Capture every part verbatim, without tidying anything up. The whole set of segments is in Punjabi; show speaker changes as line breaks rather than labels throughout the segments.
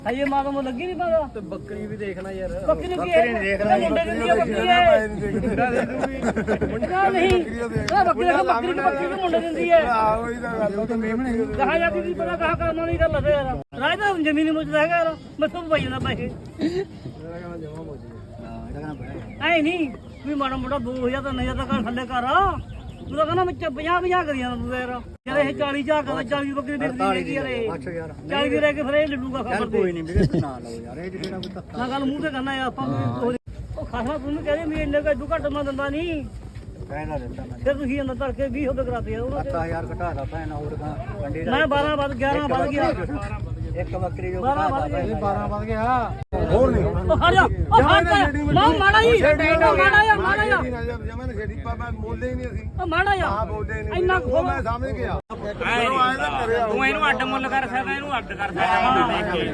ਹਜੇ ਮਾਂ ਨੂੰ ਲੱਗੀ ਨਹੀਂ ਪਾਦਾ
ਤੇ ਬੱਕਰੀ ਵੀ ਦੇਖਣਾ ਯਾਰ
ਬੱਕਰੀ ਨੂੰ ਕੀ ਹੈ ਦੇਖਣਾ ਮੁੰਡੇ ਦੀ ਬੱਕਰੀ ਹੈ
ਮੁੰਡਾ ਦੇ ਦੂਗੀ
ਮੁੰਡਾ ਨਹੀਂ ਇਹ ਬੱਕਰੀ ਦਾ ਬੱਕਰੀ ਦੀ ਬੱਕਰੀ ਨੂੰ ਮੁੰਡੇ ਦਿੰਦੀ ਹੈ
ਆਹੋ ਹੀ ਤਾਂ ਗੱਲ ਉਹ ਤਾਂ ਮੇਮਣੇ
ਕਹਾ ਜਾਂਦੀ ਨਹੀਂ ਪਤਾ ਕਹਾ ਕਰਨਾ ਨਹੀਂ ਗੱਲ ਹੈ ਯਾਰ ਰਾਜ ਤਾਂ ਜ਼ਮੀਨ ਮੁੱਚਦਾ ਹੈਗਾ ਯਾਰ ਮੈਥੋਂ ਪਾਈ ਜਾਂਦਾ ਪੈਸੇ ਐ ਨਹੀਂ ਵੀ ਮਾੜਾ ਮੋਟਾ ਦੋ ਹਜ਼ਾਰ ਤਾਂ ਨਹੀਂ ਤਾਂ ਕਰ ਥੱਲੇ ਕਰ ਤੂੰ ਤਾਂ ਕਹਿੰਦਾ ਮੈਂ ਪੰਜਾਹ ਪੰਜਾਹ ਕਰੀ ਜਾਂਦਾ ਤੂੰ ਯਾਰ ਯਾਰ ਇਹ ਚਾਲੀ ਝਾਕ ਦਾ ਚਾਲੀ ਬੱਕਰੀ ਵੇਚਦੀ ਯਾਰ ਇਹ ਚਾਲੀ ਦੀ ਰਹਿ ਕੇ ਫਿਰ ਇਹ ਲੱਡੂਗਾ ਖਬਰ ਤੇ ਕੋਈ ਨਹੀਂ ਵੀਰੇ ਨਾ ਲਓ ਯਾਰ ਇਹ ਜਿਹੜਾ ਕੋਈ ਧੱਕਾ ਨਾ ਗੱਲ ਮੂੰਹ ਤੇ ਕਰਨਾ ਯਾਰ ਆਪਾਂ ਉਹ ਖਾਸਾ ਤੂੰ ਕਹਿੰਦੇ ਵੀ ਇੰਨੇ ਕਾ ਕੱਟ ਮੈਂ ਦਿੰਦਾ ਨਹੀਂ
ਕਹਿਣਾ ਦਿੱਤਾ ਮੈਂ
ਫਿਰ ਤੁਸੀਂ ਅੰਦਰ ਧਰ ਕੇ ਵੀਹ ਰੁਪਏ ਕਰਾਤੇ ਯਾਰ ਉਹਨਾਂ
ਦਸ ਹਜ਼ਾਰ ਘਟਾਦਾ ਭੈਣ ਹੋਰ ਕਾ ਮੰਡੀ
ਮੈਂ ਬਾਰਾਂ ਵੱਧ ਗਿਆਰਾਂ ਵੱਧ ਗਿਆ
ਇੱਕ ਬੱਕਰੀ ਜੋ
ਬਾਰਾਂ ਵੱਧ ਗਿਆ
ਬਾਰਾਂ ਵੱਧ ਗਿਆ ਹੋਰ ਨਹੀਂ
ਉਹ ਖੜ ਜਾ ਉਹ ਖੜ ਜਾ ਮਾਂ ਮਾੜਾ ਹੀ ਮਾੜਾ ਯਾਰ ਮਾੜਾ ਯਾਰ
ਜਮਨ ਛੇੜੀ ਪਾਪਾ ਬੋਲਦੇ ਹੀ ਨਹੀਂ ਅਸੀਂ
ਉਹ ਮਾੜਾ ਯਾਰ
ਹਾਂ ਬੋਲਦੇ ਨਹੀਂ
ਇੰਨਾ
ਉਹ ਮੈਂ ਸਮਝ ਗਿਆ ਚਲੋ ਆਏ ਤਾਂ ਕਰਿਆ
ਤੂੰ ਇਹਨੂੰ ਅੱਡ ਮੁੱਲ ਕਰ ਸਕਦਾ ਇਹਨੂੰ ਅੱਡ ਕਰ ਸਕਦਾ ਮੁੱਲ ਦੇਖ ਕੇ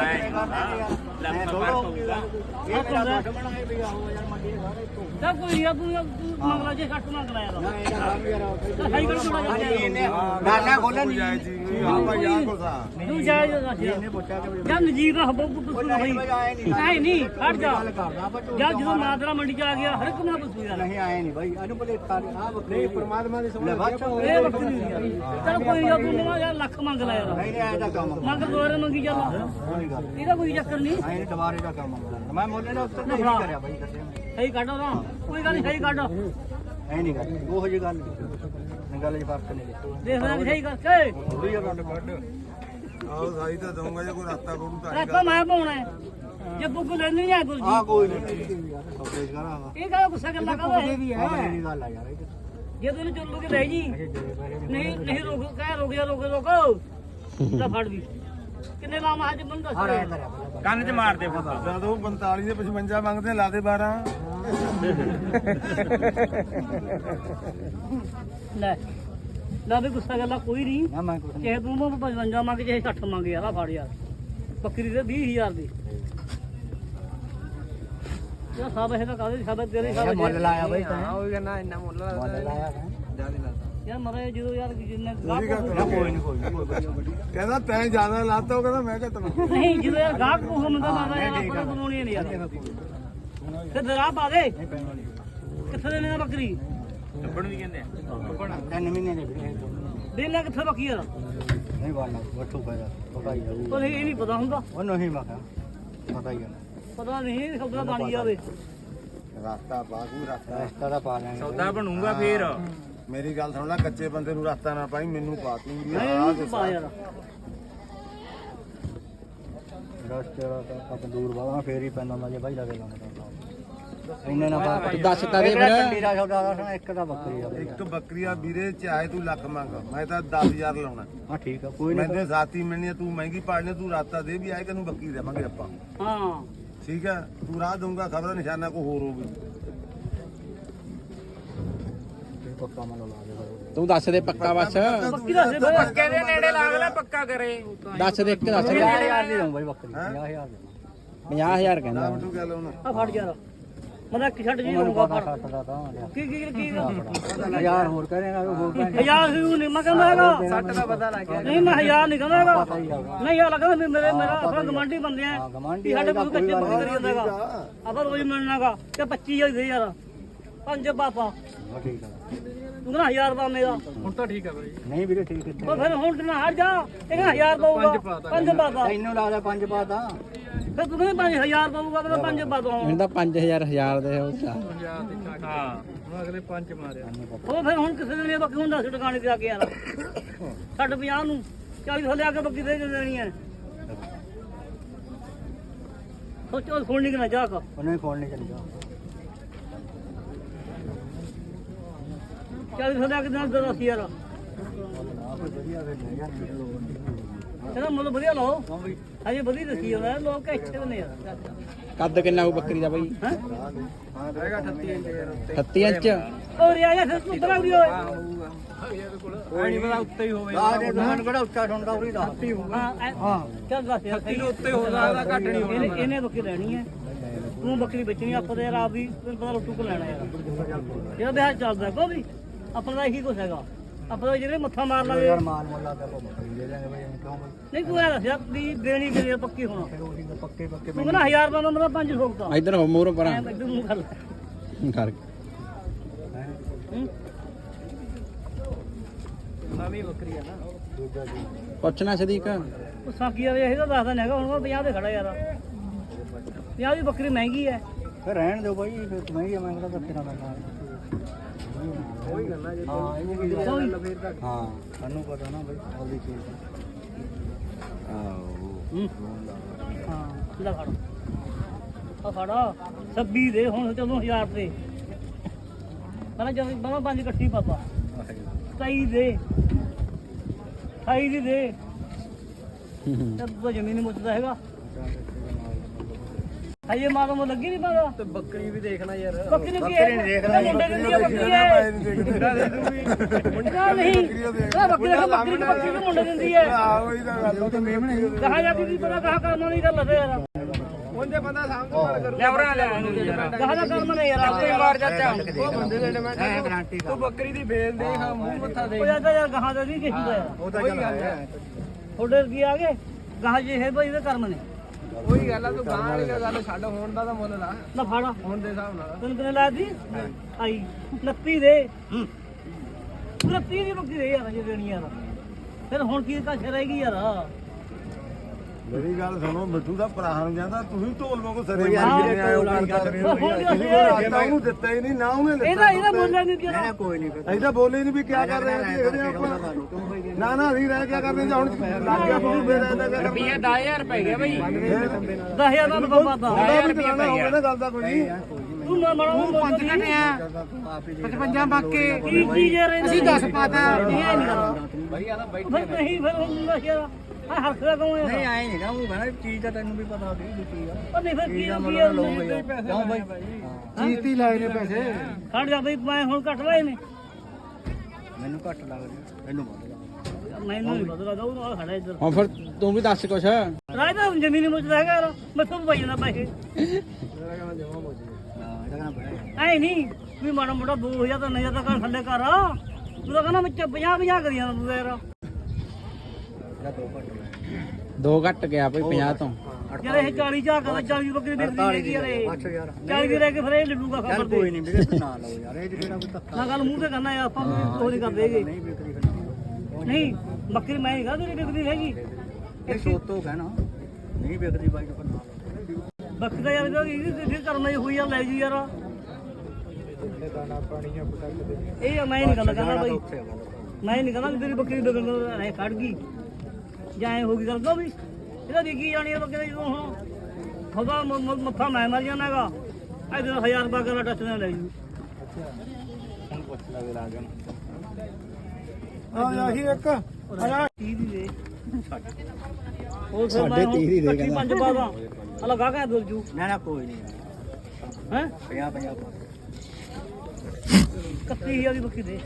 ਇਹ ਮੇਰਾ ਦੁੱਧ ਬਣਾਏ ਵੀ ਆਹੋ ਯਾਰ ਮੰਡੀ ਸਾਰੇ ਤੋਂ
ਤਾਂ ਕੋਈ ਯਾਰ ਤੂੰ ਮੰਗਲਾ ਜੇ ਛੱਟ ਮੰਗ ਲਿਆ ਯਾਰ ਸਹੀ ਕਰ ਥੋੜਾ ਜਿਹਾ
ਨਾਨਾ ਖੋਲਣ ਨਹੀਂ ਜਾਏ ਜੀ ਹਾਂ ਭਾਈ ਆ ਕੋਸਾ
ਤੂੰ ਜਾਇਜ਼ ਦੱਸ
ਇਹਨੇ ਪੁੱਛਿਆ ਕਿ
ਜਾਂ ਨਜੀਬ ਨਾ ਹੱਬੋ ਪੁੱਤ ਸੁਣ ਭਾਈ ਐ ਨਹੀਂ ਖੜ ਜਾ ਜਾਂ ਜਦੋਂ ਮਾਦਰਾ ਮੰਡੀ ਚ ਆ ਗਿਆ ਹਰ ਇੱਕ ਨਾ ਪੁੱਛੂ ਯਾਰ
ਨਹੀਂ ਆਏ ਨਹੀਂ ਭਾਈ ਇਹਨੂੰ ਬਲੇ ਆ ਬੱਕਰੀ ਪਰਮਾਤਮਾ ਦੀ ਸਮਝ
ਇਹ ਬੱਕਰੀ ਨਹੀਂ ਯਾਰ ਚਲ ਕੋਈ ਯਾਰ ਤੂੰ ਨਾ ਯਾਰ ਲੱਖ ਮੰਗ ਲੈ ਯਾਰ
ਨਹੀਂ ਆਇਆ ਦਾ ਕੰਮ
ਮੰਗ ਦੋਰੇ ਮੰਗੀ ਚੱਲ
ਕੋਈ ਗੱਲ
ਇਹਦਾ ਕੋਈ ਚੱਕਰ ਨਹੀਂ
ਆਏ ਦੁਬਾਰੇ ਦਾ ਕੰਮ ਮੈਂ ਮੋਲੇ ਦਾ ਉੱਤਰ ਨਹੀਂ ਕਰਿਆ ਭਾਈ ਕੱਟਿਆ
ਸਹੀ ਕੱਢੋ ਨਾ ਕੋਈ ਗੱਲ ਨਹੀਂ ਸਹੀ ਕੱਢ
ਐ ਨਹੀਂ ਗੱਲ ਉਹ ਜਿਹੀ ਗੱਲ ਨਹੀਂ ਗੱਲ 'ਚ ਫਰਕ ਨਹੀਂ
ਦੇਖ ਲੈ ਸਹੀ ਕਰਕੇ
ਥੋੜੀ ਜਿਹਾ ਕੱਢ ਕੱਢ ਆਓ ਸਾਈ ਤਾਂ ਦਊਂਗਾ ਜੇ ਕੋਈ ਰਸਤਾ ਕੋਲ ਤਾਂ
ਰੱਖੋ ਮੈਂ ਪਾਉਣਾ ਹੈ ਜੇ ਬੁੱਕ ਲੈਣੀ ਨਹੀਂ ਆ ਗੁਰਜੀ
ਆ ਕੋਈ ਨਹੀਂ ਸੌਦੇ ਕਰਾ
ਇਹ ਕਾ ਗੁੱਸਾ ਗੱਲਾਂ ਕਰਦਾ ਹੈ
ਇਹ ਗੱਲ ਆ ਯਾਰ ਇਹ
ਜੇ ਤੈਨੂੰ ਚੱਲੂ ਕੇ ਲੈ ਜੀ ਨਹੀਂ ਨਹੀਂ ਰੁਕ ਕਹਿ ਰੁਕ ਜਾ ਰੁਕ ਰੁਕ ਲੈ ਫੜ ਵੀ ਕਿੰਨੇ ਲਾਵਾਂ ਅੱਜ ਮੈਨੂੰ ਦੱਸ
ਕੰਨ 'ਚ ਮਾਰ ਦੇ ਫਸਾ
ਜਦੋਂ ਪੰਤਾਲੀ ਦੇ ਪਚਵੰਜਾ ਮੰਗਦੇ ਲਾ ਦੇ ਬਾਰਾਂ
ਲੈ ਨਾ ਵੀ ਗੁੱਸਾ ਗੱਲਾਂ ਕੋਈ ਨਹੀਂ
ਨਾ ਮੈਂ ਕੁਝ
ਚਾਹੇ ਤੂੰ ਮੈਂ ਪਚਵੰਜਾ ਮੰਗ ਚਾਹੇ ਸੱਠ ਮੰਗ ਯਾਰ ਆ ਫੜ ਯਾਰ ਬੱਕਰੀ ਦੇ ਵੀਹ ਹਜ਼ਾਰ ਦੀ ਯਾ ਸਭ ਇਹ ਤਾਂ ਕਾਹਦੇ ਸਭ ਤੇਰੇ ਸਭ
ਮੁੱਲ ਲਾਇਆ ਬਈ ਤੈਂ
ਉਹ ਕਹਿੰਦਾ ਇੰਨਾ ਮੁੱਲ
ਮੁੱਲ ਲਾਇਆ
ਯਾਰ ਮਰੇ ਜਦੋਂ ਯਾਰ ਜਿੰਨੇ ਗਾਹਕ
ਕੋਈ ਨਹੀਂ ਕੋਈ ਨਹੀਂ ਕਹਿੰਦਾ ਤੈਂ ਜ਼ਿਆਦਾ ਲਾਤਾ ਉਹ ਕਹਿੰਦਾ ਮੈਂ ਘੱਟ
ਨਹੀਂ ਜਦੋਂ ਯਾਰ ਗਾਹਕ ਕੋ ਹੁੰਦਾ ਮਾਰਦਾ ਯਾਰ ਆਪਾਂ ਬਣਾਉਣੀ ਨਹੀਂ ਯਾਰ ਤੇ ਦਰਾ ਪਾ ਦੇ ਕਿੱਥੇ ਦੇ ਨੇ ਬੱਕਰੀ
ਲੱਭਣ ਵੀ ਕਹਿੰਦੇ ਆ
ਤਿੰਨ ਮਹੀਨੇ ਦੇ ਵੀਰੇ
ਦੇ ਲੈ ਕਿੱਥੇ ਬੱਕੀ ਯਾਰ
ਨਹੀਂ ਵਾਲਾ ਵੱਟੂ ਪੈਦਾ ਪਕਾਈ ਜਾਊ
ਉਹ ਇਹ ਨਹੀਂ ਪਤਾ ਹੁੰਦਾ
ਉਹ ਨਹੀਂ ਮਖਾ ਪਤਾ ਹੀ ਹੈ
ਪਤਾ ਨਹੀਂ ਸੌਦਾ ਬਣ ਜਾਵੇ
ਰਸਤਾ ਬਾਗੂ ਰਸਤਾ ਰਸਤਾ ਦਾ ਪਾ ਲੈਣਾ
ਸੌਦਾ ਬਣੂਗਾ ਫੇਰ
ਮੇਰੀ ਗੱਲ ਸੁਣ ਲੈ ਕੱਚੇ ਬੰਦੇ ਨੂੰ ਰਸਤਾ ਨਾ ਪਾਈ ਮੈਨੂੰ ਪਾ ਤੂੰ ਵੀ
ਨਹੀਂ ਪਾ ਯਾਰ
ਰਸਤੇ ਦਾ ਤਾਂ ਤੰਦੂਰ ਵਾਲਾ ਫੇਰ ਹੀ ਪੈਂਦਾ ਹੁੰਦਾ ਜੇ ਬਾਈ ਲਗੇ ਲਾਉਂਦਾ ਇੰਨੇ ਨਾ ਪਾ ਦੱਸ ਤਾ ਦੇ ਫਿਰ ਕੰਡੀ ਦਾ ਸੌਦਾ ਦਾ ਇੱਕ ਦਾ ਬੱਕਰੀ ਆ ਇੱਕ ਬੱਕਰੀ ਆ ਵੀਰੇ ਚਾਹੇ ਤੂੰ ਲੱਖ ਮੰਗ ਮੈਂ ਤਾਂ ਦਸ ਹਜ਼ਾਰ ਲਾਉਣਾ ਹਾਂ ਠੀਕ ਆ ਕੋਈ ਨਹੀਂ ਮੈਂ ਸਾਥੀ ਮਿਲਣੀ ਤੂੰ ਮਹਿੰਗੀ ਪਾੜਨੇ ਤੂੰ ਰਾਤਾ ਦੇ ਵੀ ਆਏ ਤੈਨੂੰ ਬੱਕਰੀ ਦੇਵਾਂਗੇ ਆਪਾਂ
ਹਾਂ
ਠੀਕ ਹੈ ਤੂੰ ਰਾਹ ਦਊਂਗਾ ਖਬਰ ਨਿਸ਼ਾਨਾ ਕੋ ਹੋਰ ਹੋਊਗੀ ਪੱਕਾ ਮਨ ਲਾ ਦੇ
ਤੂੰ ਦੱਸ ਦੇ ਪੱਕਾ ਬਸ
ਬੱਕੀ ਦੱਸ ਦੇ ਬਈ
ਪੱਕੇ ਦੇ ਨੇੜੇ ਲਾ ਲੈ ਪੱਕਾ ਕਰੇ
ਦੱਸ ਦੇ ਇੱਕ ਦੱਸ ਦੇ
ਪੰਜਾਹ ਹਜ਼ਾਰ ਦੀ ਦਊਂ ਬਾਈ ਬੱਕਰੀ ਪੰਜਾਹ ਹਜ਼ਾਰ ਦੇ
ਪੰਜਾਹ ਹਜ਼ਾਰ ਕਹਿੰਦਾ
ਤੂੰ ਗੱਲ ਹੁਣ
ਆ ਫੜ ਯਾਰ ਮੈਂ ਇੱਕ ਛੱਡ ਜੀ ਲਊਂਗਾ ਫੜ
ਸੱਠ ਦਾ ਤਾਂ
ਕੀ ਕੀ ਕੀ
ਹਜ਼ਾਰ ਹੋਰ ਕਰੇਗਾ ਹੋਰ ਪੈਸੇ
ਹਜ਼ਾਰ ਹੀ ਨਹੀਂ ਮੈਂ ਕਹਿੰਦਾ ਹੈਗਾ
ਸੱਟ ਦਾ ਪਤਾ ਲੱਗ ਗਿਆ
ਨਹੀਂ ਮੈਂ ਹਜ਼ਾਰ ਨਹੀਂ ਕਹਿੰਦਾ ਹੈਗਾ ਨਹੀਂ ਯਾਰ ਲੱਗਦਾ ਵੀ ਮੇਰੇ ਮੇਰਾ ਆਪਣਾ ਗਵਾਂਢੀ ਬੰਦੇ ਆ ਵੀ ਸਾਡੇ ਕੋਲ ਕੱਚੇ ਬੰਦੇ ਕਰੀ ਜਾਂਦਾ ਹੈਗਾ ਆਪਾਂ ਰੋਜ਼ ਮਿਲਣਾਗਾ ਤੇ ਪੱਚੀ ਹੋਈ ਗਈ ਯਾਰ ਪੰਜ ਪਾਪਾ
ਠੀਕ ਆ
ਤੂੰ ਕਹਿੰਦਾ ਹਜ਼ਾਰ ਪਾ ਮੇਰਾ
ਹੁਣ ਤਾਂ ਠੀਕ ਆ ਬਾਈ
ਨਹੀਂ ਵੀਰੇ ਠੀਕ ਹੈ
ਉਹ ਫਿਰ ਹੁਣ ਤੇ ਨਾ ਹਟ ਜਾ ਇਹ ਕਹਿੰਦਾ ਹਜ਼ਾਰ ਪਾਊਗਾ ਪੰਜ ਪਾਪਾ
ਤੈਨੂੰ ਲੱਗਦਾ ਪੰਜ ਪਾਤਾ
ਫਿਰ ਤੂੰ ਕਹਿੰਦਾ ਪੰਜ ਹਜ਼ਾਰ ਪਾਊਗਾ ਤੇ ਪੰਜ ਪਾ ਦਊਂ
ਮੈਨੂੰ ਤਾਂ ਪੰਜ ਹਜ਼ਾਰ ਹਜ਼ਾਰ ਦੇ ਉਹ ਚਾ
ਹਾਂ ਹੁਣ ਅਗਲੇ ਪੰਜ ਮਾਰਿਆ
ਉਹ ਫਿਰ ਹੁਣ ਕਿਸੇ ਨੇ ਬੱਕੀ ਹੁੰਦਾ ਸੀ ਟਿਕਾਣੇ ਤੇ ਆ ਕੇ ਯਾਰ ਛੱਡ ਪੰਜਾਹ ਨੂੰ ਚਾਲੀ ਥੱਲੇ ਆ ਕੇ ਬੱਕੀ ਦੇ ਦੇਣੀ ਹੈ ਸੋਚੋ ਸੁਣਨੀ ਕਿ ਨਾ ਜਾ ਕਾ
ਉਹਨੇ ਫੋਨ ਨਹੀਂ ਚੱਲਿਆ
ਚਾਲੀ ਥੱਲੇ ਆ ਕੇ ਨਾਲ ਦਸ ਯਾਰ ਕਹਿੰਦਾ ਮੁੱਲ ਵਧੀਆ ਲਾਓ ਅਜੇ ਵਧੀਆ ਦੱਸੀ ਜਾਂਦਾ ਲੋਕ ਇੱਥੇ ਨੇ ਯਾਰ
ਕੱਦ ਕਿੰਨਾ ਉਹ ਬੱਕਰੀ ਦਾ ਬਾਈ
ਹੈ
ਹੈਗਾ ਅਠੱਤੀ ਇੰਚ ਯਾਰ
ਅਠੱਤੀ ਇੰਚ
ਉਹ ਰਿਆ ਜਾਂ ਫਿਰ ਤੂੰ ਬਣਾ ਵੀ ਓਏ
ਕੋਈ ਨਹੀਂ ਪਤਾ ਉੱਤੇ ਹੀ ਹੋਵੇ
ਆ ਦੇ ਦੁਕਾਨ ਕਿਹੜਾ ਉੱਚਾ ਠੰਡਾ ਉਰੀ ਦਾ
ਹਾਂ ਹਾਂ ਚੱਲ ਦੱਸ ਯਾਰ
ਕਿਲੋ ਉੱਤੇ ਹੋ ਸਕਦਾ ਘੱਟ ਨਹੀਂ ਹੋਣਾ
ਇਹਨੇ ਇਹਨੇ ਬੱਕਰੀ ਲੈਣੀ ਹੈ ਤੂੰ ਬੱਕਰੀ ਵੇਚਣੀ ਆਪਾਂ ਤੇ ਯਾਰ ਆਪ ਵੀ ਤੈਨੂੰ ਪਤਾ ਰੋਟੂ ਕੋ ਲੈਣਾ ਯਾਰ ਜਿਹੜਾ ਵਿਆਹ ਚੱਲਦਾ ਕੋ ਵੀ ਆਪਣਾ ਦਾ ਇਹੀ ਕੁਛ ਹੈਗਾ ਆਪਾਂ ਜਿਹੜੇ ਮੱਥਾ ਮਾਰ ਲਾਂਗੇ
ਯਾਰ ਮਾਲ ਮੁੱਲ ਲਾ ਕੇ ਆਪਾਂ ਬੱਕਰੀ ਦੇ ਦਾਂਗੇ ਬਾਈ ਕਿਉਂ ਬਾਈ
ਨਹੀਂ ਤੂੰ ਐ ਦੱਸਿਆ ਵੀ ਦੇਣੀ ਕਿੰਨੀ ਆ ਪੱਕੀ ਹੁਣ
ਫਿਰ ਉਹੀ ਤਾਂ ਪੱਕੇ ਪੱਕੇ
ਤੂੰ ਕਹਿੰਦਾ ਹਜ਼ਾਰ ਰੁਪਏ ਦਾ ਮਤਲਬ ਪੰਜ ਸੌ ਦਾ
ਇਧਰ ਹੋ ਮੂਹਰੋਂ ਪਰਾਂ
ਐਂ ਇੱਧਰ ਮੂੰਹ ਕਰ ਲੈ
ਕਰ
ਹੂੰ?
ਨਵੀਂ ਬੱਕਰੀ ਆ ਨਾ
ਦੂਜਾ ਜੀ
ਪੁੱਛਣਾ ਸਦੀਕ
ਉਹ ਸਾਕੀ ਵਾਲੇ ਇਹ ਤਾਂ ਦੱਸਦਾ ਨਹੀਂ ਹੈਗਾ ਹੁਣ ਮੈਂ ਪੰਜਾਹ ਤੇ ਖੜਾ ਯਾਰ ਪੰਜਾਹ ਦੀ ਬੱਕਰੀ ਮਹਿੰਗੀ ਹੈ
ਫਿਰ ਰਹਿਣ ਦਿਓ ਬਾਈ ਫਿਰ ਤੂੰ ਹੀ ਮੈਂ ਕਿਹੜਾ ਤੇਰਾ ਦਾ ਹਾਂ
ਉਹੀ ਗੱਲਾਂ ਜੇ
ਹਾਂ ਇਹ ਵੀ
ਗੱਲ
ਕੋਈ-
ਫੇਰ ਤਾਂ
ਹਾਂ ਸਾਨੂੰ ਪਤਾ ਨਾ ਬਾਈ ਉਹਦੀ ਚੀਜ਼ ਆਓ
ਹੂੰ? ਹਾਂ ਲੈ ਫੜ ਆ ਫੜਾ ਛੱਬੀ ਦੇ ਹੁਣ ਚਲੋ ਹਜ਼ਾਰ ਤੇ ਪਹਿਲਾਂ ਜਦ ਬਾਬਾ ਪੰਜ ਇਕੱਠੀ ਪਾਪਾ ਸਤਾਈ ਦੇ ਅਠਾਈ ਦੀ ਦੇ ਤੇ ਤੂੰ ਜ਼ਮੀਨ ਨਹੀਂ ਮੁੱਚਦਾ ਹੈਗਾ ਹਜੇ ਮਾਤਾ ਨੂੰ ਲੱਗੀ ਨਹੀਂ ਪਾਦਾ
ਤੇ ਬੱਕਰੀ ਵੀ ਦੇਖਣਾ ਯਾਰ
ਬੱਕਰੀ ਨੂੰ ਕੀ ਹੈ ਇਹ ਮੁੰਡੇ ਦਿੰਦੀ ਹੈ ਬੱਕਰੀ ਹੈ ਮੁੰਡਾ ਨਹੀਂ ਇਹ ਬੱਕਰੀ ਦਾ ਬੱਕਰੀ ਦੀ ਬੱਕਰੀ ਨੂੰ ਮੁੰਡੇ ਦਿੰਦੀ ਹੈ ਕਹਾ ਜਾਂਦੀ ਦੀ ਪਤਾ ਕਹਾ ਕਰਨਾ ਨਹੀਂ ਗੱਲ ਹੈ ਯਾਰ
ਉਹਦੇ ਬੰਦਾ ਸਾਹਮਣੇ ਗੱਲ ਕਰੂ ਲੈਵਰਾ ਲੈ
ਕਹਾ ਦਾ ਕਰਮ ਨਹੀਂ ਯਾਰ
ਆਪੇ ਮਾਰ ਚਾਚਾ ਉਹ ਬੰਦੇ ਦੇ
ਹੈ
ਡਿਮਾਂਡ
ਗਾਰੰਟੀ
ਤੂੰ ਬੱਕਰੀ ਦੀ ਵੇਲ ਦੇ ਹਾਂ ਮੂੰਹ ਮੱਥਾ ਦੇ
ਉਹ ਜਾਂਦਾ ਯਾਰ ਗਾਹਾਂ ਦਾ ਨਹੀਂ ਕਿਸੇ ਦਾ ਯਾਰ
ਉਹ ਤਾਂ ਗੱਲ ਹੈ
ਤੁਹਾਡੇ ਕੀ ਆ ਗਏ ਗਾਹਾਂ ਜੇ ਹੈ ਭਾਈ ਇਹਦੇ ਕਰਮ ਨੇ
ਉਹੀ ਗੱਲ ਆ ਤੂੰ ਗਾਂ ਵਾਲੀ ਗੱਲ ਛੱਡ ਹੋਣ ਦਾ ਤਾਂ ਮੁੱਲ ਲਾ
ਨਾ ਫਾੜਾ
ਹੁਣ ਦੇ ਹਿਸਾਬ ਨਾਲ
ਤੈਨੂੰ ਕਿੰਨੇ ਲਾਇਆ ਸੀ ਆਈ ਉਨੱਤੀ ਦੇ ਉਨੱਤੀ ਦੀ ਬੱਕਰੀ ਦੇ ਯਾਰ ਜੇ ਦੇਣੀ ਯਾਰ ਫਿਰ ਹੁਣ ਕੀ ਕਾਸ਼ ਰਹੇਗੀ ਯਾਰ
ਮੇਰੀ ਗੱਲ ਸੁਣੋ ਮਿੱਠੂ ਦਾ ਭਰਾ ਨੂੰ ਜਾਂਦਾ ਤੁਸੀਂ ਢੋਲ ਵਾਂਗੂ ਸਰੇ
ਯਾਰ
ਮਾਰ
ਜਿਹੜੇ
ਕੇ ਆਏ ਹੋ
ਢੋਲ ਵਾਲੀ ਗੱਲ
ਕਰੇ
ਉਹ ਹੁਣ
ਤੁਸੀਂ
ਦੱਸ ਯਾਰ।
ਰਾਸਤਾ ਉਹਨੂੰ ਦਿੱਤਾ ਹੀ ਨਹੀਂ ਨਾ ਉਹਨੇ ਦਿੱਤਾ
ਇਹਦਾ ਇਹਦਾ ਮੁੱਲ ਨਹੀਂ
ਨਹੀਂ
ਜਿਹੜਾ
ਨਾ ਕੋਈ ਨਹੀਂ ਫਿਰ
ਅਸੀਂ ਤਾਂ ਬੋਲੇ ਨਹੀਂ ਵੀ ਕਿਆ ਕਰ ਰਹੇ ਹਾਂ ਦੇਖਦੇ ਹਾਂ ਆਪਾਂ
ਤੂੰ ਬਾਈ
ਨਾ ਨਾ ਅਸੀਂ ਰਹਿ ਕਿਆ ਕਰਦੇ ਜਾਂ ਹੁਣ ਲੱਗ ਗਿਆ ਤੁਹਾਨੂੰ ਫੇਰ ਐਂਦਾ ਕਿਆ ਕਰਨਾ
ਦਸ ਹਜ਼ਾਰ ਪੈ ਗਿਆ ਬਈ
ਦਸ ਹਜ਼ਾਰ ਦਾ ਬਾਬਾ ਦਾ
ਉਹਦਾ ਵੀ ਚਲਾਣਾ ਹੋਵੇ ਨਾ ਗੱਲ ਦਾ ਕੋਈ ਨਹੀਂ
ਤੂੰ ਨਾ ਮੜਾ ਉਹ ਪੰਜ
ਪਚਵੰਜਾ ਬਾਕੇ
ਕੀ ਚੀਜ਼ ਯਾਰ ਇਹ
ਅਸੀਂ ਦਸ ਪਾਤਾ
ਇਹ ਨਹੀਂ ਕਰਦਾ
ਬਈ ਆਦਾ ਬੈਠ
ਫਿਰ ਨਹੀਂ ਫਿਰ ਹੁਣ ਦੱਸ ਯਾਰ ਆ ਹਰਖਦਾ ਕੌਣ ਹੈ
ਨਹੀਂ ਆਏ ਨਹੀਂ ਨਾ ਉਹ ਕਹਿੰਦਾ ਚੀਜ਼ ਤਾਂ ਤੈਨੂੰ ਵੀ ਪਤਾ ਹੋਦੀ ਵੀ ਕੀ ਆ
ਉਹ ਨਹੀਂ ਫਿਰ ਕੀ
ਚੀਜ਼ ਦਾ
ਕੀ
ਮੁੱਲ
ਯਾਰ
ਲਓ ਬਈ ਕਿਉਂ ਬਾਈ
ਚੀਜ਼ ਹੀ ਲਾਏ ਨੇ ਪੈਸੇ
ਖੜ ਜਾ ਬਈ ਮੈਂ ਹੁਣ ਕੱਟ ਲਏ ਨੇ
ਮੈਨੂੰ ਘੱਟ ਲੱਗਦਾ ਮੈਨੂੰ ਵੱਧ ਲੱਗਦਾ
ਮੈਨੂੰ ਨਹੀਂ ਪਤਾ ਲੱਗਦਾ ਉਹ ਨਾਲ ਖੜਾ ਇੱਧਰ
ਹੁਣ ਫਿਰ ਤੂੰ ਵੀ ਦੱਸ ਕੁਛ
ਰਾਜ ਦਾ ਜ਼ਮੀਨ ਮੁੱਚਦਾ ਹੈਗਾ ਯਾਰ ਮੈਂ ਤੁਹਾਨੂੰ ਪਾਈ ਜਾਂਦਾ ਪੈਸੇ
ਹਾਂ ਇਹਦਾ ਕਹਿੰਦਾ ਬੜਾ
ਐ ਨਹੀਂ ਵੀ ਮਾੜਾ ਮੋਟਾ ਦੋ ਹਜ਼ਾਰ ਤਾਂ ਨਹੀਂ ਤਾਂ ਕਰ ਥੱਲੇ ਕਰ ਤੂੰ ਤਾਂ ਕਹਿੰਦਾ ਮੈਂ ਪੰਜਾਹ ਪੰਜਾਹ ਕਰੀ ਜਾਂਦਾ ਤੂੰ ਯਾਰ
ਇਹਦਾ ਦੋ ਘੱਟ ਲੱਗਦਾ
ਦੋ ਘੱਟ ਗਿਆ ਭਾਈ ਪੰਜਾਹ ਤੋਂ
ਯਾਰ ਇਹ ਚਾਲੀ ਝਾਕ ਦਾ ਚਾਲੀ ਦੀ ਬੱਕਰੀ ਵੇਚਦੀ ਹੈਗੀ ਯਾਰ ਇਹ
ਅੱਛਾ ਯਾਰ
ਚਾਲੀ ਦੀ ਰਹਿ ਕੇ ਫਿਰ ਇਹ ਲੱਡੂਗਾ ਖਬਰ
ਚੱਲ
ਤੇ
ਕੋਈ ਨਹੀਂ ਵੀਰੇ ਨਾ ਲਓ ਯਾਰ ਇਹ ਜਿਹੜਾ ਕੋਈ ਧੱਕਾ
ਨਾ ਗੱਲ ਮੂੰਹ ਤੇ ਕਰਨਾ ਯਾਰ ਆਪਾਂ ਨੂੰ ਉਹ ਨਹੀਂ ਕਰਦੇ ਹੈਗੇ
ਨਹੀਂ ਵਿਕਰੀ ਫਿਰ
ਨਹੀਂ ਬੱਕਰੀ ਮੈਂ ਨਹੀਂ ਕਹਦਾ ਤੇਰੀ ਵਿਕਦੀ ਹੈਗੀ
ਇਹ ਸੋਤੋ ਕਹਿਣਾ ਨਹੀਂ ਵਿਕਦੀ ਬਾਈ ਨੂੰ ਫਿਰ ਨਾ ਲਓ
ਬੱਕਰੀ ਦਾ ਯਾਰ ਇਹਦੀ ਤੇ ਕਰਨਾ ਹੀ ਹੋਈ ਆ ਲੈ ਜੀ ਯਾਰ ਇਹ ਮੈਂ ਨਹੀਂ ਗੱਲ ਕਰਦਾ ਬਾਈ ਮੈਂ ਨਹੀਂ ਕਹਿੰਦਾ ਵੀ ਤੇਰੀ ਬੱਕਰੀ ਵਿਕਣ ਐ ਖੜ ਗਈ ਜਾਂ ਐ ਹੋ ਗਈ ਗੱਲ ਕੋ ਵੀ ਇਹਦਾ ਵਿਕੀ ਜਾਣੀ ਆ ਬੱਕਰੀ ਜਦੋਂ ਹੁਣ ਖੁਦਾ ਮ- ਮ- ਮੱਥਾ ਮੈਂ ਮਰ ਜਾਣਾ ਹੈਗਾ ਇਹਦੇ ਹਜ਼ਾਰ ਰੁਪਏ ਕਰ ਟੱਚ ਨਾ ਲੈ ਜੂ
ਆ ਆਹੀ ਇੱਕ
ਤੀਹ ਦੀ ਦੇ ਉਹ ਫਿਰ
ਸਾਢੇ
ਮੈਂ ਹੁਣ
ਤੀਹ ਦੀ ਦੇ
ਇਕੱਠੀ
ਕਹਿੰਦਾ।
ਪੰਜ ਪਾ ਦਾਂ ਅਲਾ ਗਾ ਕਾ ਦੁਰ ਜੂ
ਨਾ ਨਾ ਕੋਈ ਨਹੀਂ
ਹੈ
ਪੰਜਾਹ ਪੰਜਾਹ ਪਾ
ਇਕੱਤੀ ਹਜ਼ਾਰ ਦੀ ਬੱਕਰੀ ਦੇ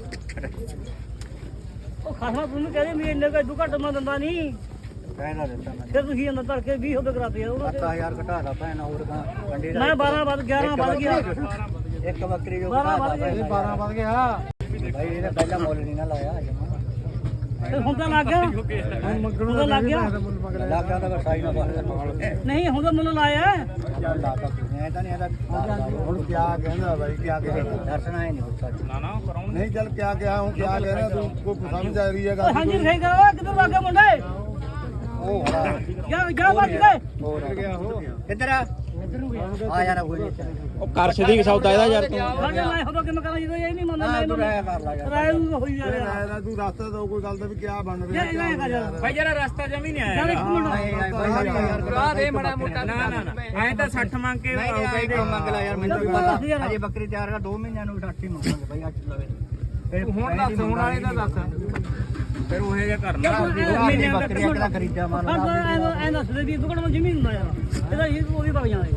ਉਹ ਖਾਸਾ ਤੂੰ ਕਹਿੰਦੇ ਵੀ ਇੰਨੇ ਕਾ ਦੂ ਘੱਟ ਮੈਂ ਦਿੰਦਾ ਨਹੀਂ
ਕਹਿਣਾ ਦਿੱਤਾ ਮੈਂ
ਫਿਰ ਤੁਸੀਂ ਅੰਦਰ ਤੜਕੇ ਵੀਹ ਹੋ ਕਰਾਤੇ ਯਾਰ ਉਹਨਾਂ
ਸੱਤ ਹਜ਼ਾਰ ਘਟਾ ਦਾ ਭੈਣ ਹੋਰ ਤਾਂ ਕੰਡੀ
ਤੇ ਮੈਂ ਬਾਰਾਂ ਵੱਧ ਗਿਆਰਾਂ ਵੱਧ ਗਿਆ
ਇੱਕ ਬੱਕਰੀ ਜੋ
ਬਾਰਾਂ
ਘਟਾ
ਵੱਧ
ਦਾ
ਗਿਆ
ਬਾਰਾਂ ਵੱਧ ਗਿਆ
ਭਾਈ ਇਹਨੇ ਪਹਿਲਾਂ ਮੁੱਲ ਨਹੀਂ ਨਾ ਲਾਇਆ ਜਮਾ
ਤੇ ਹੁਣ ਤਾਂ ਲੱਗ ਗਿਆ ਹੁਣ ਤਾਂ ਲੱਗ ਗਿਆ
ਲੱਗਾ ਤਾਂ ਸਾਈ ਨਾ ਬਾਹਰ ਨਾਲ
ਨਹੀਂ ਹੁਣ ਤਾਂ ਮੈਨੂੰ ਲਾਇਆ
ਚੱਲ ਲਾਤਾ ਮੈਂ ਤਾਂ ਨਹੀਂ ਇਹਦਾ
ਹੁਣ ਕਿਆ ਕਹਿੰਦਾ ਬਾਈ ਕਿਆ ਕਹਿੰਦਾ
ਦਰਸ਼ਨ ਆਏ ਨਹੀਂ ਹੋ ਸਕਦਾ
ਨਾ ਨਾ ਕਰਾਉਣ
ਨਹੀਂ ਚੱਲ ਕਿਆ ਕਿਹਾ ਹੁਣ ਕਿਆ ਕਹਿ ਰਿਹਾ ਤੂੰ ਕੋਈ ਸਮਝ ਆ ਰਹੀ ਹੈ
ਓਏ
ਗੱਲ
ਹਾਂਜੀ ਸਹੀ ਕਰੋ ਕਿੱਧਰ ਲੱਗ ਗਿਆ ਮੁੰਡੇ
ਉਹ ਹਰਾ
ਜਾ ਜਾ ਵੱਜ ਗਏ
ਹੋਰ ਗਿਆ ਉਹ ਕਿੱਧਰ ਆ ਆ ਯਾਰ ਕੋਈ
ਉਹ ਕਰ ਸਦੀਕ ਸੌਦਾ ਇਹਦਾ ਯਾਰ ਤੂੰ
ਸਾਡੇ ਨਾਲ ਹੋਦਾ ਕਿਵੇਂ ਕਰਾਂ ਜਦੋਂ ਇਹ ਨਹੀਂ ਮੰਨਦਾ
ਨਾ
ਨਹੀਂ
ਤੂੰ ਰਹਿ
ਮੰਨਦਾ
ਕਰ ਲਾ ਯਾਰ
ਰਾਇ ਨੂੰ ਹੋਈ ਜਾ ਰਿਹਾ
ਰਾਇ ਦਾ ਤੂੰ ਰਸਤਾ ਦੋ ਕੋਈ ਗੱਲ ਦਾ ਵੀ ਕਿਆ ਬਣ ਰਿਹਾ
ਯਾਰ ਇਹ ਕਰ ਯਾਰ
ਭਾਈ ਜਰਾ ਰਸਤਾ ਜਮੀ ਨਹੀਂ
ਯਾਰ ਇੱਕ ਮਿੰਟ
ਆ ਦੇ ਮੜਾ ਮੋਟਾ ਨਾ ਨਾ ਨਾ ਐ ਤਾਂ ਸੱਠ ਮੰਗ ਕੇ ਆਊਗਾ ਹੀ
ਮੰਗ ਲਾ ਯਾਰ ਮੈਨੂੰ ਵੀ ਪਤਾ ਅਜੇ ਬੱਕਰੀ ਤਿਆਰ ਕਰ ਦੋ ਮਹੀਨਿਆਂ ਨੂੰ ਸੱਠ ਹੀ ਮੰਗਾਂਗੇ ਬਾਈ ਅੱਜ ਲਵੇ ਫਿਰ
ਹੁਣ ਦੱਸ ਹੁਣ ਵਾਲੇ ਦਾ ਦੱਸ ਫਿਰ ਉਹ ਜਿਹਾ ਕਰਨਾ
ਆਪਣੀ ਬੱਕਰੀ ਕਿਹੜਾ ਖਰੀਦਿਆ ਮਾਨ
ਹਾਂ ਐ ਦੱਸ ਦੇ ਵੀ ਦੁਕਾਨ ਵਿੱਚ ਜ਼ਮੀਨ ਹੁੰਦਾ ਯਾਰ ਇਹਦਾ ਇਹ ਉਹ ਵੀ ਵਗ ਜਾਣਾ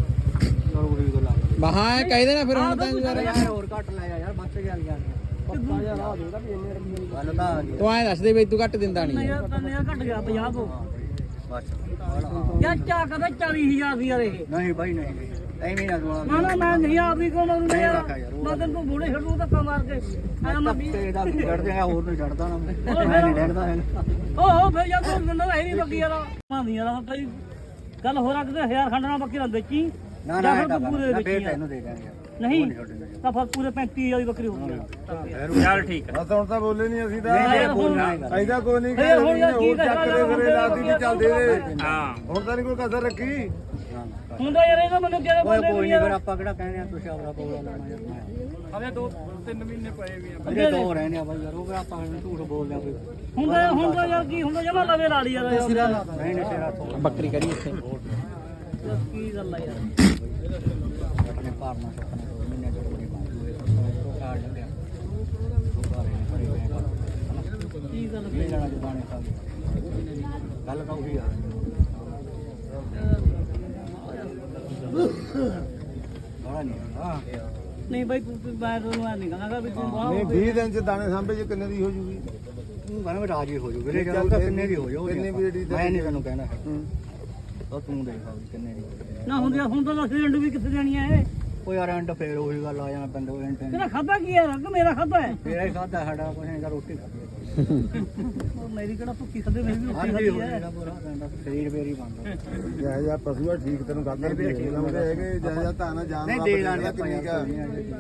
ਮਹਾ ਕਹਿ ਦੇਣਾ ਫਿਰ ਹੁਣ ਤਾਂ ਯਾਰ
ਯਾਰ ਹੋਰ ਘੱਟ ਲੈ ਜਾ ਯਾਰ ਬੱਚ ਗਿਆ ਯਾਰ ਪੱਕਾ ਯਾਰ ਆ ਦੇਦਾ ਵੀ ਇੰਨੇ ਰੁਪਏ ਗੱਲ ਤਾਂ ਆ ਗਈ
ਤੂੰ ਐਂ ਦੱਸ ਦੇ ਬਈ ਤੂੰ ਘੱਟ ਦਿੰਦਾ
ਨਹੀਂ
ਨਹੀਂ
ਯਾਰ ਤਾਂ ਨੇਰਾ ਘਟ ਗਿਆ ਪੰਜਾਹ ਤੋਂ
ਬਸ
ਯਾਰ ਚਾ ਕਹਿੰਦਾ ਚਾਲੀ ਹਜ਼ਾਰ ਦੀ ਯਾਰ ਇਹ
ਨਹੀਂ ਬਾਈ ਨਹੀਂ ਐਵੇਂ ਨਾ ਦੁਆ
ਨਾ ਨਾ ਮੈਂ ਨਹੀਂ ਆਪ ਵੀ ਕੋਲ ਮਰੂੰਗਾ ਯਾਰ ਮੈਂ ਤੈਨੂੰ ਬੂੜੇ ਛੱਡੂ ਧੱਕਾ ਮਾਰ ਕੇ ਐ ਮੈਂ ਵੀ
ਤੇ ਦਾ ਚੜ ਜਾਏਗਾ ਹੋਰ ਨਹੀਂ ਚੜਦਾ ਨਾ ਮੈਂ ਨਹੀਂ ਡੈਗਦਾ ਹੈਗਾ
ਓਹੋ ਫਿਰ ਜਾਂ ਤੂੰ ਨੰਨਾ ਹੈ ਨਹੀਂ ਬੱਕੀ ਯਾਰ ਮਾਂਦੀ ਯਾਰ ਭਾਈ ਗੱਲ ਹੋਰ ਰੱਖਦੇ ਹਜ਼ਾਰ ਖੰਡ ਨਾਲ ਬੱਕੀ ਰੰਦੇ ਚੀ
ਨਾ ਨਾ ਇਹ ਤਾਂ ਫੇਰ ਤੈਨੂੰ ਦੇ ਦਾਂਗੇ
ਨਹੀਂ ਤਾਂ ਫਿਰ ਪੂਰੇ ਪੈਂਤੀ ਹਜ਼ਾਰ ਦੀ ਬੱਕਰੀ ਹੋ ਗਈ
ਚੱਲ ਠੀਕ ਹੈ
ਬਸ ਹੁਣ ਤਾਂ ਬੋਲੇ ਨਹੀਂ ਅਸੀਂ ਤਾਂ
ਨਹੀਂ ਬੋਲਣਾ
ਐਦਾ ਕੋਈ ਨਹੀਂ
ਫੇਰ ਹੁਣ ਯਾਰ ਕੀ
ਚੱਕ
ਕਰਾਂ
ਦੇ ਫਿਰੇ ਲਾਤੀ ਵੀ ਚੱਲਦੇ ਨੇ
ਹਾਂ
ਹੁਣ ਤਾਂ ਨਹੀਂ ਕੋਈ ਕਸਰ ਰੱਖੀ
ਹੁੰਦਾ ਯਾਰ ਇਹਦਾ ਮੈਨੂੰ ਕਿਹੜੇ
ਓਏ
ਬੋਲਦੇ
ਕੋਈ
ਨਹੀਂ
ਨਹੀਂ
ਯਾਰ
ਫਿਰ ਆਪਾਂ ਕਿਹੜਾ ਕਹਿੰਦੇ ਆ ਤੁਸੀਂ ਆਪਣਾ ਬੋਲਾ ਲਾਣਾ ਯਾਰ
ਹਲੇ ਦੋ ਤਿੰਨ ਮਹੀਨੇ ਪਏ ਵੀ ਆ
ਅਜੇ ਦੋ ਰਹਿੰਦੇ ਆ ਬਾਈ ਯਾਰ ਉਹ ਆਪਾਂ ਝੂਠ ਬੋਲਦੇ ਆ ਕੋਈ
ਹੁੰਦਾ ਹੁੰਦਾ ਯਾਰ ਕੀ ਹੁੰਦਾ ਜਮਾ ਲਵੇ ਲਾ ਲਈ ਯਾਰ
ਨਹੀਂ ਨਹੀਂ ਤੇਰਾ
ਬੱਕਰੀ ਕਰੀ ਇੱਥੇ
ਕੀ ਗੱਲ ਆ ਯਾਰ
ਆਪਣੇ ਪਾਰਨਾ ਸੁਪਨੇ ਤੋਂ ਮਹੀਨੇ ਤੋਂ ਨਹੀਂ ਪਾਉਂਦੇ ਉਹ ਕਾਰਡ ਲੱਗਿਆ ਉਹ ਬਾਰੇ ਭਰੇ ਹੋਏ
ਕੀ ਗੱਲ
ਇਹ ਲੈਣਾ ਜਦਾਨੇ ਸਾਹਿਬ ਗੱਲ ਤਾਂ ਉਹੀ ਆ ਬੜਾ ਨਹੀਂ ਹਾਂ
ਨਹੀਂ ਬਾਈ ਤੂੰ ਤੂੰ ਮੈਂ ਤੁਹਾਨੂੰ ਐ ਨਹੀਂ ਕਹਾਂਗਾ ਵੀ ਤੂੰ ਬਾਹਰ
ਨਹੀਂ ਵੀਹ ਦਿਨ ਚ ਦਾਣੇ ਸਾਂਭੇ ਚ ਕਿੰਨੇ ਦੀ ਹੋ ਜੂਗੀ
ਤੂੰ ਕਹਿੰਦਾ ਰਾਜੀ ਹੋ ਜੂ ਵੀਰੇ ਜਦੋਂ ਤਾਂ ਕਿੰਨੇ ਦੀ ਹੋ ਜਾਓ
ਕਿੰਨੇ ਦੀ ਰੇਡੀ
ਮੈਂ ਨਹੀਂ ਤੈਨੂੰ ਕਹਿਣਾ ਉਹ ਤੂੰ ਦੇਖ ਸਕਦੀ ਕਿੰਨੇ ਦੀ
ਨਾ ਹੁੰਦੀ ਹੁਣ ਤਾਂ ਦੱਸ ਰੰਡੂ ਵੀ ਕਿੱਥੇ ਜਾਣੀ ਐ
ਉਹ ਯਾਰ ਐਂਡ ਫੇਰ ਉਹੀ ਗੱਲ ਆ ਜਾਣਾ ਪੈਂਦਾ ਉਹ ਐਂਡ
ਤੇਰਾ ਖਾਦਾ ਕੀ ਹੈ ਕਿ ਮੇਰਾ ਖਾਦਾ ਹੈ
ਤੇਰਾ ਹੀ ਖਾਦਾ ਸਾਡਾ ਕੁਛ ਨਹੀਂ ਰੋਟੀ ਖਾਦੀ
ਉਹ ਮੇਰੀ ਕਿਹੜਾ ਭੁੱਖੀ ਖਾਦੇ ਮੇਰੀ ਵੀ ਰੋਟੀ
ਹਾਂਜੀ
ਖਾਦੀ
ਹੋ
ਹੈ
ਜਾਣਾ ਪੂਰਾ ਪੈਂਦਾ ਸਰੀਰ ਫੇਰ ਹੀ ਬਣਦਾ
ਜਿਹਾ ਜਿਹਾ ਪਸ਼ੂ ਆ ਠੀਕ ਤੈਨੂੰ ਗੱਲ
ਨਹੀਂ ਵੀਰੇ, ਠੀਕ
ਲਾਉਂਦੇ ਹੈਗੇ ਜਿਹਾ ਜਿਹਾ ਤਾਂ ਨਾ ਜਾਨ
ਨਹੀਂ
ਰੱਬ
ਦੇ
ਦੇ
ਲਾਂਗੇ
ਦੇਣਾ
ਆਪਾਂ
ਕਿੰਨੀ
ਯਾਰ
ਕਾ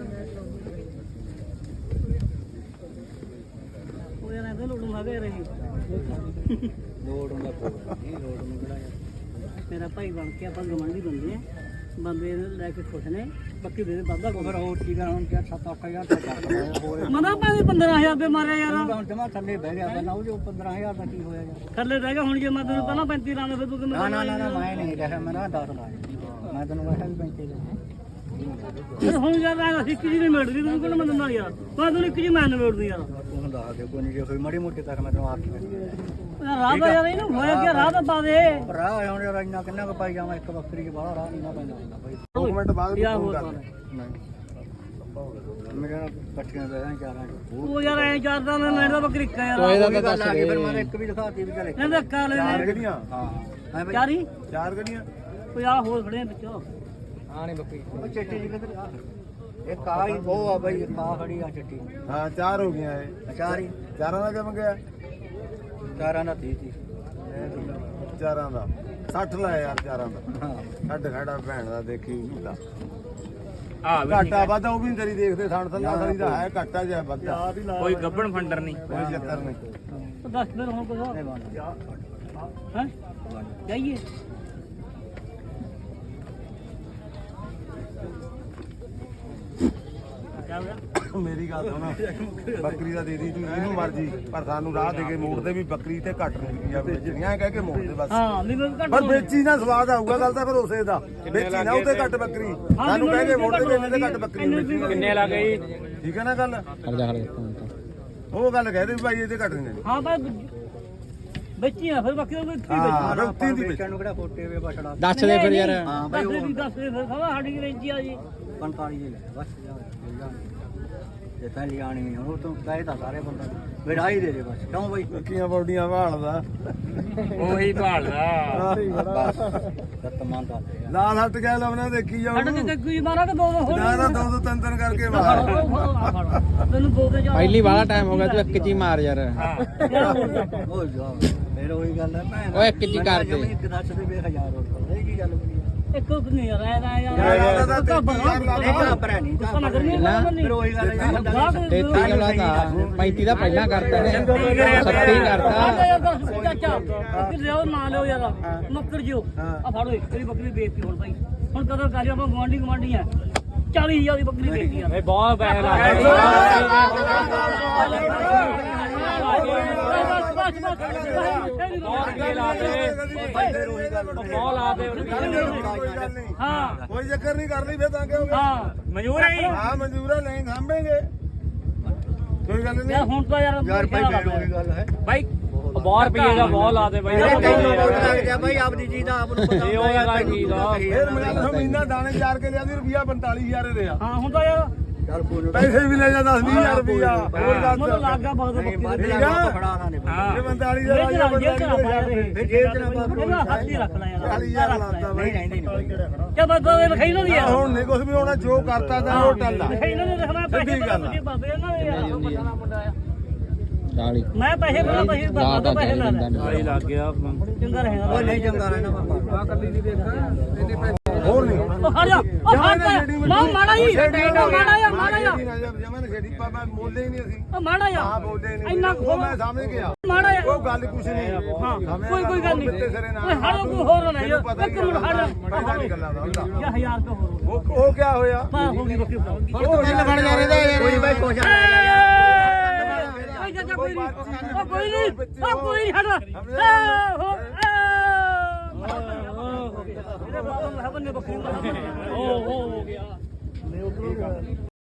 ਉਹ ਯਾਰ ਇਹਦੇ ਲੋੜੋਂ ਆ ਗਏ ਰਹੀ
ਲੋੜ ਹੁੰਦਾ ਕੋਈ ਨਹੀਂ ਲੋੜ ਨੂੰ ਕਿਹੜਾ ਯਾਰ
ਮੇਰਾ ਭਾਈ ਬਣ ਕੇ ਆਪਾਂ ਗਵਾਂਢੀ ਬੰਦੇ ਆ ਬੰਦੇ ਲੈ ਕੇ ਖੁਸ਼ ਨੇ ਬਾਕੀ ਦੇ ਦੇ ਵਾਧਾ
ਉਹ ਫਿਰ ਹੋਰ ਕੀ ਕਰਾਂ ਹੁਣ ਕਿਆ ਸੱਤ ਅੱਠ ਹਜ਼ਾਰ ਦਾ ਕਰ ਹੋਰ
ਮਨਾ ਭਾਵੇਂ ਪੰਦਰਾਂ ਹਜ਼ਾਰ ਰੁਪਏ ਮਾਰਿਆ ਯਾਰ
ਹੁਣ ਜਮਾ ਥੱਲੇ ਬਹਿ ਗਿਆ ਪਹਿਲਾਂ ਉਹ ਜੋ ਪੰਦਰਾਂ ਹਜ਼ਾਰ ਦਾ ਕੀ ਹੋਇਆ ਯਾਰ
ਥੱਲੇ ਰਹਿ ਗਿਆ ਹੁਣ ਜੇ ਮੈਂ ਤੈਨੂੰ ਪਹਿਲਾਂ ਪੈਂਤੀ ਲਾਣਾ ਫਿਰ ਤੂੰ ਕਿਵੇਂ
ਨਾ ਨਾ ਨਾ ਨਾ ਮੈਂ ਨਹੀਂ ਕਿਹਾ ਮੈਂ ਨਾ ਦਸ ਲਾਇਆ ਮੈਂ ਤੈਨੂੰ ਕਿਹਾ ਵੀ ਪੈਂਤੀ ਲੈ
ਫਿਰ ਹੁਣ ਯਾਰ ਐਂ ਇੱਕ ਜੀ ਨਹੀਂ ਮਿਲਦੀ ਤੂੰ ਕਿਹਨੂੰ ਮੈਂ ਦਿੰਦਾ ਯਾਰ ਮੈਂ ਤੈਨੂੰ ਇੱਕ ਜੀ ਮੈਂ ਨਿਬੇੜਦੀ ਯਾਰ
ਤੂੰ ਦੱਸ ਦੇ ਕੋਈ ਨਹੀਂ ਜੇ ਕੋਈ ਮਾੜੀ ਮੋਟੀ ਕਰ ਮੈਂ ਤੈਨੂੰ ਆਪ
ਯਾਰ ਰਾਹ ਦਾ ਯਾਰ ਇਹਨੂੰ ਹੋਇਆ ਕੀ ਰਾਹ ਤਾਂ ਪਾ ਦੇ
ਰਾਹ ਆਉਣ ਯਾਰ ਇੰਨਾ ਕਿੰਨਾ ਕੁ ਪਾਈ ਜਾਵਾਂ ਇੱਕ ਬੱਕਰੀ ਚ ਬਾਹਲਾ ਰਾਹ ਨਹੀਂ ਨਾ ਪੈਂਦਾ ਹੁੰਦਾ ਬਾਈ
ਦੋ ਮਿੰਟ ਬਾਅਦ
ਯਾਰ
ਫੋਨ
ਹੋਰ
ਕਰ
ਪਾ
ਲੈ।
ਨਹੀਂ ਮੇਰੇ ਨਾਲ ਇਕੱਠੀਆਂ ਬਹਿਣਾ ਚਾਰਾਂ ਚ
ਉਹ ਯਾਰ ਐਂ ਚਾਰਦਾ ਮੈਂ ਲੈਣ ਦਾ ਬੱਕਰੀ ਇੱਕਾ ਯਾਰ
ਤੋਏ ਦਾ
ਉਹੀ
ਤਾਂ
ਗੱਲ
ਦੱਸ
ਆ ਗਈ ਫਿਰ
ਦੇ
ਮੈਂ ਇੱਕ ਵੀ ਦਿਖਾਤੀ ਵੀ ਚੱਲ ਇੱਕ
ਇਹਦਾ ਧੱਕਾ ਲੈ
ਚਾਰ
ਲੈ
ਗੱਡੀਆਂ
ਹਾਂ ਹਾਂ ਬਈ
ਚਾਰੀ
ਚਾਰ ਗੱਡੀਆਂ
ਕੋਈ ਆ ਹੋਰ ਖੜੇ ਆ ਵਿੱਚ
ਹਾਂ ਨਹੀਂ ਬੱਕਰੀ
ਉਹ ਚਿੱਟੀ ਜੀ ਕਿੱਧਰ ਆ ਇੱਕ ਆ ਹੀ ਉਹ ਆ ਬਈ ਇੱਕ ਆ ਖੜੀ ਆ ਚਿੱਟੀ
ਹਾਂ ਚਾਰ ਹੋ ਗਈਆਂ ਇਹ
ਚਾਰ ਹੀ
ਚਾਰਾਂ ਦਾ ਕਿਵੇਂ ਗਿਆ
ਚਾਰਾਂ ਦਾ ਤੀਹ ਤੀਹ
ਚਾਰਾਂ ਦਾ ਸੱਠ ਲਾਇਆ ਯਾਰ ਚਾਰਾਂ ਦਾ
ਹਾਂ
ਛੱਡ ਖੜਾ ਭੈਣ ਦਾ ਦੇਖੀ ਹੁੰਦਾ
ਆ ਵੀ
ਘਾਟਾ ਵਾਧਾ ਉਹ ਵੀ ਨੀ ਤੇਰੀ ਦੇਖਦੇ ਥਣ ਥੱਲਾ ਸਾਰੀ ਦਾ ਹੈ ਘਾਟਾ ਜਿਹਾ ਵਾਧਾ
ਕੋਈ ਗੱਬਣ ਫੰਡਰ ਨਹੀਂ
ਕੋਈ ਚੱਕਰ ਨਹੀਂ
ਉਹ ਦੱਸ ਫਿਰ ਹੁਣ ਕੁਝ
ਨਹੀਂ ਬਣਦਾ
ਹੈ ਜਾਈਏ ਕਿਆ ਹੋਇਆ
ਮੇਰੀ ਗੱਲ ਸੁਣ ਬੱਕਰੀ ਦਾ ਦੇ ਦੀ ਤੂੰ ਜਿਹਨੂੰ ਮਰਜੀ ਪਰ ਸਾਨੂੰ ਰਾਹ ਦੇ ਕੇ ਮੋੜਦੇ ਵੀ ਬੱਕਰੀ ਤੇ ਘੱਟ ਨਹੀਂ ਆ ਵੇਚਣੀਆਂ ਕਹਿ ਕੇ ਮੋੜਦੇ ਬਸ
ਹਾਂ ਵੀ ਮੈਂ ਘੱਟ
ਪਰ ਵੇਚੀ ਨਾ ਸਵਾਦ ਆਊਗਾ ਗੱਲ ਤਾਂ ਫਿਰ ਉਸੇ ਦਾ ਵੇਚੀ ਨਾ ਉਤੇ ਘੱਟ ਬੱਕਰੀ ਸਾਨੂੰ ਕਹਿ ਕੇ ਮੋੜਦੇ ਵੀ ਇਹਨੇ ਤੇ ਘੱਟ ਬੱਕਰੀ ਵੇਚੀ
ਕਿੰਨੇ ਲੱਗ ਗਈ
ਠੀਕ ਹੈ ਨਾ ਗੱਲ
ਹਰ ਜਾ ਹਰ
ਉਹ ਗੱਲ ਕਹਦੇ ਵੀ ਭਾਈ ਇਹਦੇ ਘੱਟ ਨਹੀਂ ਦੇਣੀ
ਹਾਂ ਬਸ ਬੱਚੀ ਆ ਫਿਰ ਬਾਕੀ ਉਹ ਠੀਕ
ਹਾਂ
ਹੈ
ਰੁਕਤੀ ਦੀ
ਵੇਚਣ ਨੂੰ ਕਿਹੜਾ ਫੋਟੇ ਵੇ ਬਛੜਾ
ਦੱਸ ਦੇ ਫਿਰ ਯਾਰ
ਹਾਂ ਬਈ
ਦੱਸ ਦੇ
ਉਹ
ਵੀ ਦੱਸ ਦੇ ਫਿਰ ਖਵਾ ਸਾਡੀ ਰੇਂਜੀ ਆ ਜੀ
ਪੰਤਾਲੀ ਦੇ ਲੈ ਬਸ ਜਾ ਜਾ ਜੇ ਤਾਂ ਲਿਆਣੀ ਨਹੀਂ ਉਹ ਤੂੰ ਕਹੇ ਤਾਂ ਸਾਰੇ ਬੰਦਾ ਵਿੜਾਈ ਦੇ ਦੇ ਬਸ ਕਿਉਂ ਬਈ
ਬੱਕੀਆਂ ਬੌਡੀਆਂ ਭਾਲਦਾ
ਉਹੀ ਭਾਲਦਾ
ਬਸ ਰਤਮਾਨ ਦਾ ਲੈ ਯਾਰ।
ਲਾਲ ਹੱਟ ਗਿਆ ਲਵਣਾ ਦੇਖੀ ਜਾਓ
ਸਾਡੇ ਤੇ ਕੋਈ ਮਾਰਾ ਕਿ ਦੋ ਦੋ ਹੋਰ
ਨਾ ਨਾ ਦੋ ਦੋ ਤਿੰਨ ਤਿੰਨ ਕਰਕੇ ਮਾਰ
ਤੈਨੂੰ ਦੋ ਦੇ ਜਾ
ਪਹਿਲੀ ਵਾਲਾ ਟਾਈਮ ਹੋ ਗਿਆ ਤੂੰ ਇੱਕ ਚ ਹੀ ਮਾਰ ਯਾਰ
ਉਹ ਜਾ ਫਿਰ ਉਹੀ ਗੱਲ ਹੈ ਭੈਣ
ਉਹ ਇੱਕ ਜੀ ਕਰ ਦੇ।
ਇੱਕ ਦੱਸ ਦੇ ਵੀ ਹਜ਼ਾਰ ਹੋਰ ਇਹ ਕੀ ਗੱਲ ਬਣੀ
ਇੱਕ ਨਹੀਂ ਯਾਰ ਐ ਨਾ ਯਾਰ
ਯਾਰ ਦਾ ਤਾਂ ਤੇਤੀ ਹਜ਼ਾਰ ਲਾ
ਨਹੀਂ ਤਾਂ ਭਰਾ ਨਹੀਂ
ਗੁੱਸਾ ਨਾ ਕਰਨੀ
ਨਾ।
ਫਿਰ ਉਹੀ ਗੱਲ ਹੈ ਯਾਰ
ਤੇਤੀ ਕਿਉਂ ਲਾਤਾ ਪੈਂਤੀ ਦਾ ਪਹਿਲਾਂ ਕਰਤਾ ਨੇ ਸੱਤੀ ਕਰਤਾ
ਚਾਚਾ ਕਿ ਲਿਓ ਨਾ ਲਿਓ ਯਾਰ ਮੱਕਰ ਜਿਓ ਆ ਫੜੋ ਤੇਰੀ ਬੱਕਰੀ ਵੇਚਤੀ ਹੁਣ ਭਾਈ ਹੁਣ ਕਦੋਂ ਕਰ ਆਪਾਂ ਗਵਾਂਢੀ ਗਵਾਂਢੀ ਆ ਚਾਲੀ ਹਜ਼ਾਰ ਦੀ ਬੱਕਰੀ ਵੇਚਤੀ ਯਾਰ
ਇਹ ਬਹੁਤ ਪੈਸੇ ਲੱਗ ਬਹੁਤ ਲਾ ਦੇ
ਹਾਂ
ਕੋਈ ਚੱਕਰ ਨਹੀਂ ਕਰ ਲਈ ਫੇਰ ਤਾਂ ਕਿਉਂ
ਹਾਂ
ਮਨਜ਼ੂਰ ਹੈ
ਹਾਂ ਮਨਜ਼ੂਰ ਹੈ ਨਹੀਂ ਸਾਂਭੇਗੇ ਕੋਈ ਗੱਲ
ਯਾਰ
ਨਹੀਂ
ਹੁਣ ਤਾਂ ਯਾਰ
ਯਾਰ ਭਾਈ ਫਿਰ ਉਹੀ ਗੱਲ ਹੈ
ਬਾਈ ਬਹੁਤ ਰੁਪਏ ਦਾ ਬਹੁਤ ਲਾ ਦੇ ਬਾਈ
ਤੈਨੂੰ ਬਹੁਤ ਲੱਗ ਜਾ ਭਾਈ ਆਪਦੀ ਚੀਜ਼ ਦਾ ਆਪ ਨੂੰ ਪਤਾ
ਇਹ ਉਹ ਗੱਲ ਠੀਕ ਆ।
ਫੇਰ ਮੈਂ ਮਹੀਨਾ ਦਾਣੇ ਚਾਰ ਕੇ ਲਿਆ ਦੀ ਰੁਪਿਆ ਪੰਤਾਲੀ ਹਜ਼ਾਰ ਦੇ ਆ
ਹਾਂ ਹੁਣ ਤਾਂ ਯਾਰ
ਚੱਲ ਕੋਈ
ਪੈਸੇ ਵੀ ਲੈ ਜਾ ਦਸ ਵੀਹ ਹਜ਼ਾਰ ਰੁਪਇਆ ਹੋਰ ਦੱਸ
ਮੈਨੂੰ ਲੱਗ ਗਿਆ ਬਹੁਤ ਬੱਕਰੀ ਦੇ
ਠੀਕ ਆ
ਫੜਾਣਾ ਨੇ
ਹਾਂ
ਇਹ ਪੰਤਾਲੀ ਹਜ਼ਾਰ
ਜੇਬ
ਆ
ਚ
ਗਿਆ
ਰੱਖ
ਪੰਤਾਲੀ
ਜੇਬ ਚ
ਹਜ਼ਾਰ
ਰੱਖ
ਛੱਡ।
ਇਹਦਾ ਹੱਥ ਹੀ ਰੱਖ ਲੈ ਯਾਰ
ਚਾਲੀ ਹਜ਼ਾਰ ਲਾਤਾ ਬਾਈ
ਰਹਿੰਦੇ ਨਹੀਂ
ਕਿਆ ਬਾਬਾ ਇਹ ਲਿਖਾਈ ਨਾ ਦੀ ਯਾਰ
ਹੁਣ ਨਹੀਂ ਕੁਝ ਵੀ ਹੋਣਾ ਜੋ ਕਰਤਾ ਤਾਂ ਉਹ ਟੱਲਾ
ਲਿਖਾਈ ਇਹਨਾਂ ਨੇ ਲਿਖਣਾ ਪੈਸੇ
ਸਿੱਧੀ ਗੱਲ ਆ।
ਬੜੇ ਬਾਬੇ ਇਹਨਾਂ ਦੇ ਯਾਰ ਪਤਾ ਨਾ ਮੁੰਡਾ ਆ
ਚਾਲੀ
ਮੈਂ ਪੈਸੇ ਬਣਾ ਪੈਸੇ ਬਾਬਾ ਤੋਂ ਪੈਸੇ ਲੈ ਲੈ
ਚਾਲੀ ਲੱਗ ਗਿਆ
ਚੰਗਾ ਰਹੇਗਾ
ਉਹ ਨਹੀਂ ਚੰਗਾ ਰਹਿਣਾ ਬਾਬਾ
ਹੋਰ ਨਹੀਂ
ਉਹ ਹਟ ਜਾ ਉਹ ਹਟ ਜਾ ਮਾਂ ਮਾੜਾ ਹੀ ਉਹ ਮਾੜਾ ਆ ਮਾੜਾ ਆ
ਜਮਨ ਛੇੜੀ ਪਾਪਾ ਬੋਲਦੇ ਹੀ ਨਹੀਂ ਅਸੀਂ
ਉਹ ਮਾੜਾ
ਹਾਂ
ਆ
ਬੋਲਦੇ ਨਹੀਂ
ਇੰਨਾ
ਉਹ ਮੈਂ ਸਮਝ ਗਿਆ
ਮਾੜਾ ਆ
ਉਹ ਗੱਲ ਕੁਛ ਨਹੀਂ
ਹਾਂ ਕੋਈ ਕੋਈ ਗੱਲ ਨਹੀਂ ਓਏ ਹੜੋ ਕੋਈ ਹੋਰ ਨਾ ਯਾਰ ਇੱਕ ਮਿੰਟ ਹਟ
ਪਹਿਲਾਂ ਦੀ ਗੱਲਾਂ ਦਾ ਹੁੰਦਾ
ਜਾ ਹਜ਼ਾਰ ਤੋਂ ਹੋਰ
ਉਹ ਉਹ ਕੀ ਹੋਇਆ
ਪਾ ਹੋ ਗਈ ਬੱਕਰੀ
ਉਹ ਕਿੰਨ ਬਣ ਜਾ ਰਿਹਾ ਯਾਰ
ਕੋਈ ਬਾਈ ਕੁਛ
ਕੋਈ ਜਾ ਕੋਈ ਨਹੀਂ ਉਹ ਕੋਈ ਨਹੀਂ ਉਹ ਕੋਈ ਨਹੀਂ ਹਟ ਹੋ ਇਹਦੇ ਬਾਬਾ ਨੇ ਬੱਕਰੀ ਮਾਰ ਓ ਹੋ ਗਿਆ